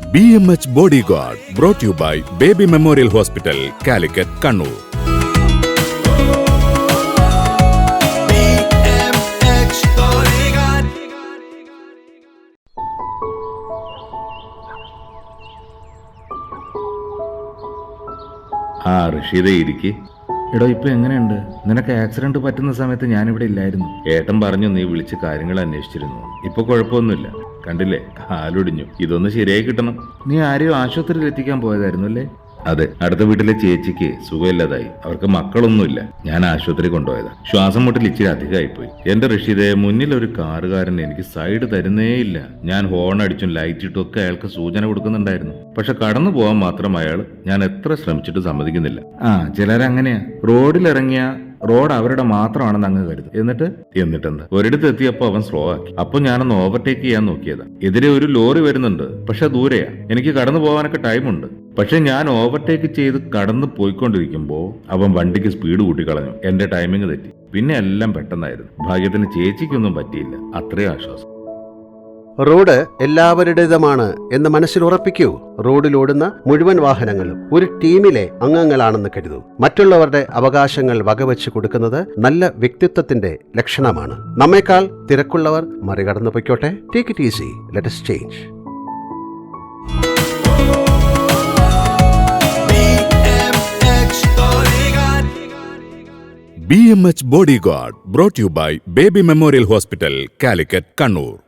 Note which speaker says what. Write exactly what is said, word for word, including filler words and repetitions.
Speaker 1: B M H bodyguard brought you by Baby Memorial Hospital, Calicut, Kannur.
Speaker 2: ആ ഋഷിതേ ഇരിക്ക്.
Speaker 3: എടോ, ഇപ്പൊ എങ്ങനെയുണ്ട്? നിനക്ക് ആക്സിഡന്റ് പറ്റുന്ന സമയത്ത് ഞാനിവിടെ ഇല്ലായിരുന്നു.
Speaker 2: ഏട്ടൻ പറഞ്ഞു നീ വിളിച്ച് കാര്യങ്ങൾ അന്വേഷിച്ചിരുന്നു. ഇപ്പൊ കുഴപ്പമൊന്നുമില്ല. കണ്ടില്ലേ, കാലൊടിഞ്ഞു. ഇതൊന്ന് ശരിയായി കിട്ടണം.
Speaker 3: നീ ആരെയോ ആശുപത്രിയിൽ എത്തിക്കാൻ പോയതായിരുന്നു അല്ലേ?
Speaker 2: അതെ, അടുത്ത വീട്ടിലെ ചേച്ചിക്ക് സുഖമില്ലാതായി. അവർക്ക് മക്കളൊന്നുമില്ല. ഞാൻ ആശുപത്രി കൊണ്ടുപോയതാ. ശ്വാസം മുട്ടൽ ഇച്ചിരി അധികമായിപ്പോയി. എന്റെ ഋഷിതയെ മുന്നിൽ ഒരു കാറുകാരൻ എനിക്ക് സൈഡ് തരുന്നേയില്ല. ഞാൻ ഹോൺ അടിച്ചും ലൈറ്റ് ഇട്ടും ഒക്കെ അയാൾക്ക് സൂചന കൊടുക്കുന്നുണ്ടായിരുന്നു. പക്ഷെ കടന്നു പോകാൻ മാത്രം അയാൾ ഞാൻ എത്ര ശ്രമിച്ചിട്ട് സമ്മതിക്കുന്നില്ല.
Speaker 3: ആ ചിലരങ്ങനെയാ. റോഡിലിറങ്ങിയ റോഡ് അവരുടെ മാത്രമാണെന്ന് അങ്ങ് കരുതും. എന്നിട്ട്
Speaker 2: എന്നിട്ടെന്താ, ഒരിടത്ത് എത്തിയപ്പോ അവൻ സ്ലോ ആക്കി. അപ്പൊ ഞാനൊന്ന് ഓവർടേക്ക് ചെയ്യാൻ നോക്കിയതാ. എതിരെ ഒരു ലോറി വരുന്നുണ്ട്, പക്ഷെ ദൂരെയാ. എനിക്ക് കടന്നു പോകാനൊക്കെ ടൈമുണ്ട്. പക്ഷെ ഞാൻ ഓവർടേക്ക് ചെയ്ത് കടന്നു പോയിക്കൊണ്ടിരിക്കുമ്പോ അവൻ വണ്ടിക്ക് സ്പീഡ് കൂട്ടിക്കളഞ്ഞു. എന്റെ ടൈമിങ് തെറ്റി. പിന്നെ എല്ലാം പെട്ടെന്നായിരുന്നു. ഭാഗ്യത്തിന് ചേച്ചിക്കൊന്നും പറ്റിയില്ല. അത്രയും ആശ്വാസം.
Speaker 4: റോഡ് എല്ലാവരുടേതുമാണ് എന്ന് മനസ്സിൽ ഉറപ്പിക്കൂ. റോഡിലോടുന്ന മുഴുവൻ വാഹനങ്ങളും ഒരു ടീമിലെ അംഗങ്ങളാണെന്ന് കരുതൂ. മറ്റുള്ളവരുടെ അവകാശങ്ങൾ വകവെച്ച് കൊടുക്കുന്നത് നല്ല വ്യക്തിത്വത്തിന്റെ ലക്ഷണമാണ്. നമ്മേക്കാൾ തിരക്കുള്ളവർ മറികടന്നു പൊയ്ക്കോട്ടെ. Take it easy, let us change.
Speaker 1: B M H bodyguard brought you by Baby Memorial Hospital, Calicut, Kannur.